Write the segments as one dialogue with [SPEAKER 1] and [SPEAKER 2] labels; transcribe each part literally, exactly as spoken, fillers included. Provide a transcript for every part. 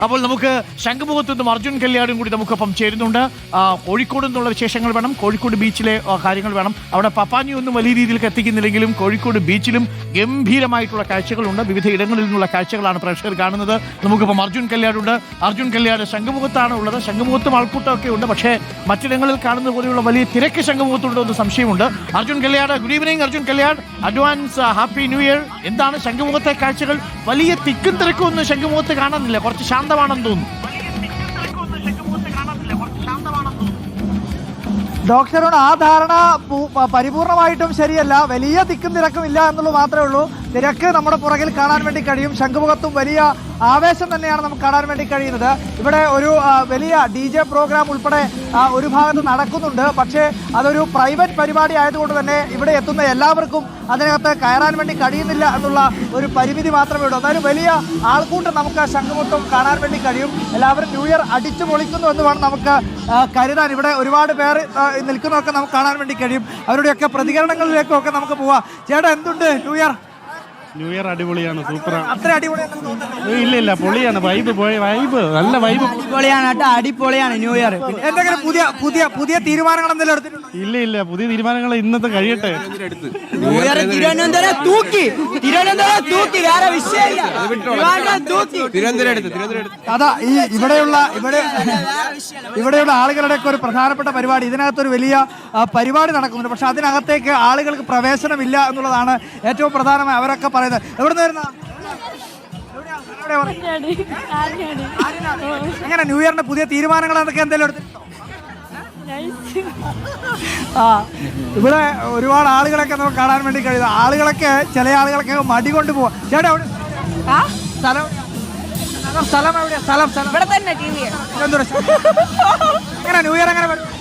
[SPEAKER 1] അപ്പോൾ നമുക്ക് ശംഖുമുഖത്ത് നിന്നും അർജുൻ കല്യാടും കൂടി നമുക്കൊപ്പം ചേരുന്നുണ്ട്. കോഴിക്കോട് നിന്നുള്ള വിശേഷങ്ങൾ വേണം, കോഴിക്കോട് ബീച്ചിലെ കാര്യങ്ങൾ വേണം. അവിടെ പപ്പാനി ഒന്നും വലിയ രീതിയിലേക്ക് എത്തിക്കുന്നില്ലെങ്കിലും കോഴിക്കോട് ബീച്ചിലും ഗംഭീരമായിട്ടുള്ള കാഴ്ചകളുണ്ട്. വിവിധ ഇടങ്ങളിൽ നിന്നുള്ള കാഴ്ചകളാണ് പ്രേക്ഷകർ കാണുന്നത്. നമുക്കിപ്പം അർജുൻ കല്യാടുണ്ട്. അർജുൻ കല്യാട് ശംഖുമുഖത്താണ് ഉള്ളത്. ശംഖുമുഖത്തും ആൾക്കൂട്ടമൊക്കെ ഉണ്ട്, പക്ഷേ മറ്റിടങ്ങളിൽ കാണുന്ന പോലെയുള്ള വലിയ തിരക്ക് ശംഖുമുഖത്തുണ്ടോ എന്ന് സംശയമുണ്ട്. Arjun Kalyat, good evening Arjun Kalyat, advance happy new year. എന്താണ് ശംഖുമുഖത്തെ കാഴ്ചകൾ? വലിയ തിക്കും തിരക്കും ഒന്നും ശംഖുമുഖത്ത് കാണാനില്ല, കുറച്ച് ശാന്തമാണെന്ന് തോന്നുന്നു.
[SPEAKER 2] ഡോക്ടറോട് ആ ധാരണ പരിപൂർണമായിട്ടും ശരിയല്ല. വലിയ തിക്കും തിരക്കും ഇല്ല എന്നുള്ളത് മാത്രമേ ഉള്ളൂ. തിരക്ക് നമ്മുടെ പുറകിൽ കാണാൻ വേണ്ടി കഴിയും. ശംഖുമുഖത്തും വലിയ ആവേശം തന്നെയാണ് നമുക്ക് കാണാൻ വേണ്ടി കഴിയുന്നത്. ഇവിടെ ഒരു വലിയ ഡി ജെ പ്രോഗ്രാം ഉൾപ്പെടെ ഒരു ഭാഗത്ത് നടക്കുന്നുണ്ട്. പക്ഷേ അതൊരു പ്രൈവറ്റ് പരിപാടി ആയതുകൊണ്ട് തന്നെ ഇവിടെ എത്തുന്ന എല്ലാവർക്കും അതിനകത്ത് കയറാൻ വേണ്ടി കഴിയുന്നില്ല എന്നുള്ള ഒരു പരിമിതി മാത്രമേ ഉള്ളൂ. എന്നാലും വലിയ ആൾക്കൂട്ടം നമുക്ക് ശംഖുമുഖത്തും കാണാൻ വേണ്ടി കഴിയും. എല്ലാവരും ന്യൂ ഇയർ അടിച്ചു പൊളിക്കുന്നു എന്ന് വേണം നമുക്ക് കരുതാൻ. ഇവിടെ ഒരുപാട് പേർ നിൽക്കുന്നതൊക്കെ നമുക്ക് കാണാൻ വേണ്ടി കഴിയും. അവരുടെയൊക്കെ പ്രതികരണങ്ങളിലേക്കൊക്കെ നമുക്ക് പോവാം. ചേട്ടാ, എന്തുണ്ട് ന്യൂ ഇയർ?
[SPEAKER 3] ന്യൂ ഇയർ അടിപൊളിയാണ്, സൂപ്പറാണ്.
[SPEAKER 2] അത്ര അടിപൊളിയാണ്?
[SPEAKER 3] ഇല്ല ഇല്ല, പൊളിയാണ്. വൈബ് വൈബ് നല്ല വൈബ്
[SPEAKER 4] അടിപൊളിയാണ് കേട്ടോ, അടിപൊളിയാണ് ന്യൂ ഇയർ.
[SPEAKER 2] എന്തെങ്കിലും പുതിയ പുതിയ പുതിയ തീരുമാനങ്ങൾ എന്തെങ്കിലും എടുത്തിട്ടുണ്ടോ?
[SPEAKER 3] ഇല്ല ഇല്ല, പുതിയ തീരുമാനങ്ങൾ ഇന്നത്തെ കഴിയട്ടെ.
[SPEAKER 4] ന്യൂ ഇയർ തിരുവനന്തപുരം തൂക്കി, തിരുവനന്തപുരം തൂക്കി, വേറെ വിഷയമില്ല, തൂക്കി.
[SPEAKER 2] അതാ ഈ ഇവിടെയുള്ള ഇവിടെ ഇവിടെയുള്ള ആളുകളുടെ ഒക്കെ ഒരു പ്രധാനപ്പെട്ട പരിപാടി, ഇതിനകത്തൊരു വലിയ പരിപാടി നടക്കുന്നുണ്ട്. പക്ഷെ അതിനകത്തേക്ക് ആളുകൾക്ക് പ്രവേശനമില്ല എന്നുള്ളതാണ് ഏറ്റവും പ്രധാനമായി അവരൊക്കെ പറയുന്നത്. എവിടെ നിന്ന് വരുന്ന എങ്ങനെ ന്യൂ ഇയറിന്റെ പുതിയ തീരുമാനങ്ങൾ എന്തൊക്കെ എന്തെങ്കിലും എടുത്തിട്ടുണ്ടോ? ആ ഇവിടെ ഒരുപാട് ആളുകളൊക്കെ നമുക്ക് കാണാൻ വേണ്ടി കഴിയുന്നത്. ആളുകളൊക്കെ ചില ആളുകളൊക്കെ മടി കൊണ്ട് പോവാ. ചേട്ടാ, എവിടെ സ്ഥലം? സ്ഥലം എവിടെയാ? സ്ഥലം സ്ഥലം
[SPEAKER 5] ഇവിടെ തന്നെ. ടി വി
[SPEAKER 2] എങ്ങനെ ന്യൂ ഇയർ എങ്ങനെ വരും?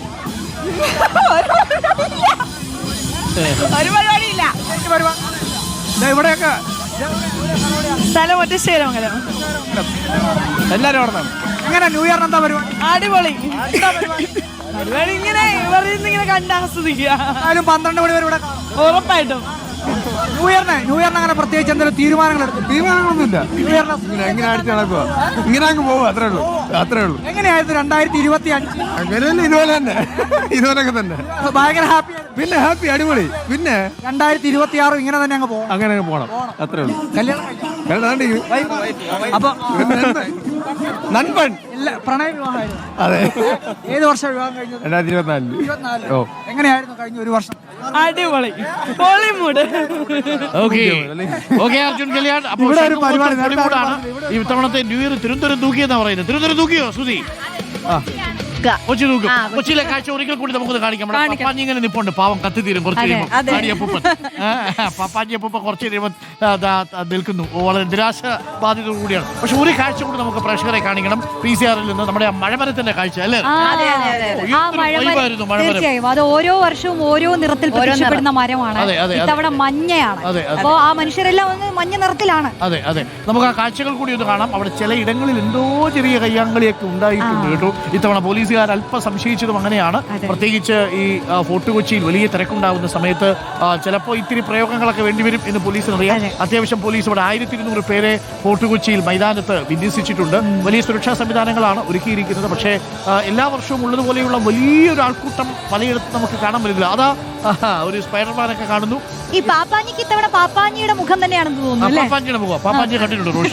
[SPEAKER 5] ഒരു പരിപാടിയില്ല.
[SPEAKER 2] ഇവിടെയൊക്കെ
[SPEAKER 5] സ്ഥലം ഒറ്റ ശേരമംഗലം.
[SPEAKER 2] എല്ലാരും അവിടെ എങ്ങനെ ന്യൂ ഇയറിന് എന്താ പരിപാടി?
[SPEAKER 5] അടിപൊളി പരിപാടി. ഇങ്ങനെ ഇങ്ങനെ കണ്ട് ആസ്വദിക്കുക.
[SPEAKER 2] എന്നാലും പന്ത്രണ്ട് മണി വരെ ഇവിടെ
[SPEAKER 5] ഉറപ്പായിട്ടും.
[SPEAKER 2] ന്യൂ ഇയറിന് ന്യൂ ഇയറിന് അങ്ങനെ പ്രത്യേകിച്ച് എന്തെങ്കിലും തീരുമാനങ്ങൾ എടുത്തു?
[SPEAKER 3] തീരുമാനങ്ങളൊന്നുമില്ല.
[SPEAKER 2] ന്യൂ ഇയറിന്
[SPEAKER 3] എങ്ങനെ അടിച്ചു നടക്കുക, ഇങ്ങനെ അങ്ങ് പോകും, അത്രേ ഉള്ളൂ അത്രേ ഉള്ളൂ.
[SPEAKER 2] എങ്ങനെയായിരുന്നു രണ്ടായിരത്തി ഇരുപത്തി അഞ്ച്?
[SPEAKER 3] അങ്ങനെയല്ല, ഇതുപോലെ തന്നെ ഇതുപോലൊക്കെ തന്നെ.
[SPEAKER 2] ഭയങ്കര ഹാപ്പി.
[SPEAKER 3] പിന്നെ ഹാപ്പി, അടിപൊളി. പിന്നെ
[SPEAKER 2] രണ്ടായിരത്തി ഇരുപത്തി ആറും ഇങ്ങനെ തന്നെ അങ്ങ് പോകും.
[SPEAKER 3] അങ്ങനെ അങ്ങ് പോകണം, അത്രേ ഉള്ളൂ.
[SPEAKER 2] കല്യാണം
[SPEAKER 3] അപ്പൊ നൻപൺ
[SPEAKER 2] ഇല്ല, പ്രണയ വിവാഹമായിരുന്നു.
[SPEAKER 3] അതെ.
[SPEAKER 2] ഏത് വർഷം വിവാഹം കഴിഞ്ഞത്?
[SPEAKER 3] രണ്ടായിരത്തി ഇരുപത്തിനാലില്.
[SPEAKER 2] ഇരുപത്തിനാലില്. എങ്ങനെയായിരുന്നു കഴിഞ്ഞ ഒരു വർഷം?
[SPEAKER 5] അടിപൊളി Bollywood.
[SPEAKER 1] Okay okay Arjun Kalyan. അപ്പോൾ
[SPEAKER 2] ഇവിടെ ഒരു പരിപാടി
[SPEAKER 1] ബോളിവുഡാണ് ഈ തവണത്തെ ന്യൂ ഇയർ. തിരുവനന്തപുരം തൂക്കിയെന്നാ പറയുന്നത്. തിരുവനന്തപുരം തൂക്കിയോ സുധി? കൊച്ചി തൂക്കും. കൊച്ചിയിലെ കാഴ്ച ഒരിക്കൽ കൂടി നമുക്കൊന്ന് കാണിക്കാം. പപ്പാഞ്ഞി ഇങ്ങനെ നിപ്പുണ്ട്, പാവം കത്തി തീരും കുറച്ച് കഴിയുമ്പോൾ. ആടിയപ്പൂപ്പൻ പപ്പാഞ്ഞിയപ്പൂപ്പൻ കുറച്ച് കഴിയുമ്പോൾ നിൽക്കുന്നു. വളരെ നിരാശ ബാധിത കൂടിയാണ്. പക്ഷെ ഒരു കാഴ്ച കൂടി നമുക്ക് പ്രേക്ഷകരെ കാണിക്കണം. പി സി ആറിൽ നിന്ന് നമ്മുടെ മഴമരത്തിന്റെ കാഴ്ച അല്ലേ?
[SPEAKER 6] തീർച്ചയായും അത് ഓരോ വർഷവും ഓരോ നിറത്തിൽ പ്രത്യക്ഷപ്പെടുന്ന മരമാണ്. ഇത്തവണ മഞ്ഞയാണ്. അപ്പോ ആ മനുഷ്യരെല്ലാം ഒന്ന് മഞ്ഞ നിറത്തിലാണ്.
[SPEAKER 1] അതെ അതെ, നമുക്ക് ആ കാഴ്ചകൾ കൂടി ഒന്ന് കാണാം. അവിടെ ചില ഇടങ്ങളിൽ എന്തോ ചെറിയ കയ്യാങ്കളിയൊക്കെ ഉണ്ടായിട്ടുണ്ട് കേട്ടോ. ഇത്തവണ പോലീസുകാർ അല്പം സംശയിച്ചതും അങ്ങനെയാണ്. പ്രത്യേകിച്ച് ഈ ഫോർട്ട് കൊച്ചിയിൽ വലിയ തിരക്കുണ്ടാകുന്ന സമയത്ത് ചിലപ്പോൾ ഇത്തിരി പ്രയോഗങ്ങളൊക്കെ വേണ്ടിവരും എന്ന് പോലീസിന് അറിയാം. അത്യാവശ്യം പോലീസ് ഇവിടെ ആയിരത്തി ഇരുന്നൂറ് പേരെ ഫോർട്ട് കൊച്ചിയിൽ മൈതാനത്ത് വിന്യസിച്ചിട്ടുണ്ട്. വലിയ സുരക്ഷാ സംവിധാനങ്ങളാണ് ഒരുക്കിയിരിക്കുന്നത്. പക്ഷേ എല്ലാ വർഷവും ഉള്ളതുപോലെയുള്ള വലിയൊരു ആൾക്കൂട്ടം പലയിടത്തും നമുക്ക് കാണാൻ പറ്റില്ല. അതാ ഒരു സ്പൈഡർമാനൊക്കെ കാണുന്നു.
[SPEAKER 6] ഈ പാപ്പാഞ്ഞിക്ക് ഇത്തവണ പാപ്പാഞ്ഞിയുടെ മുഖം തന്നെയാണെന്ന് തോന്നുന്നു.
[SPEAKER 1] പാപ്പാഞ്ഞിയുടെ മുഖം പാപ്പാഞ്ഞി കണ്ടിട്ടുണ്ട് റോഷി.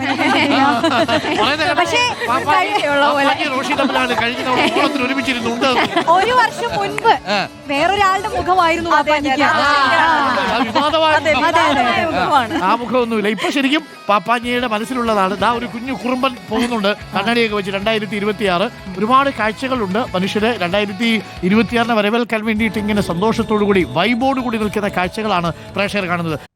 [SPEAKER 1] റോഷി തമ്മിലാണ് കഴിഞ്ഞ തവണ ഓണത്തിൽ ഒരുമിച്ചിരുന്നുണ്ട്.
[SPEAKER 6] ഒരു വർഷം മുൻപ് വേറൊരാളുടെ മുഖമായിരുന്നു പാപ്പാഞ്ഞിക്ക്.
[SPEAKER 1] ആ മുഖമൊന്നുമില്ല. ഇപ്പൊ ശരിക്കും പാപ്പാഞ്ഞിയുടെ മനസ്സിലുള്ളതാണ്. ദാ ഒരു കുഞ്ഞു കുറുമ്പൻ പോകുന്നുണ്ട് കണ്ണാടിയൊക്കെ വെച്ച്. രണ്ടായിരത്തി ഇരുപത്തി ആറ് ഒരുപാട് കാഴ്ചകളുണ്ട്. മനുഷ്യര് രണ്ടായിരത്തി ഇരുപത്തിയാറിനെ വരവേൽക്കാൻ വേണ്ടിയിട്ട് ഇങ്ങനെ സന്തോഷത്തോടു കൂടി വൈബോട് കൂടി നിൽക്കുന്ന കാഴ്ചകളാണ് പ്രേക്ഷകർ കാണുന്നത്.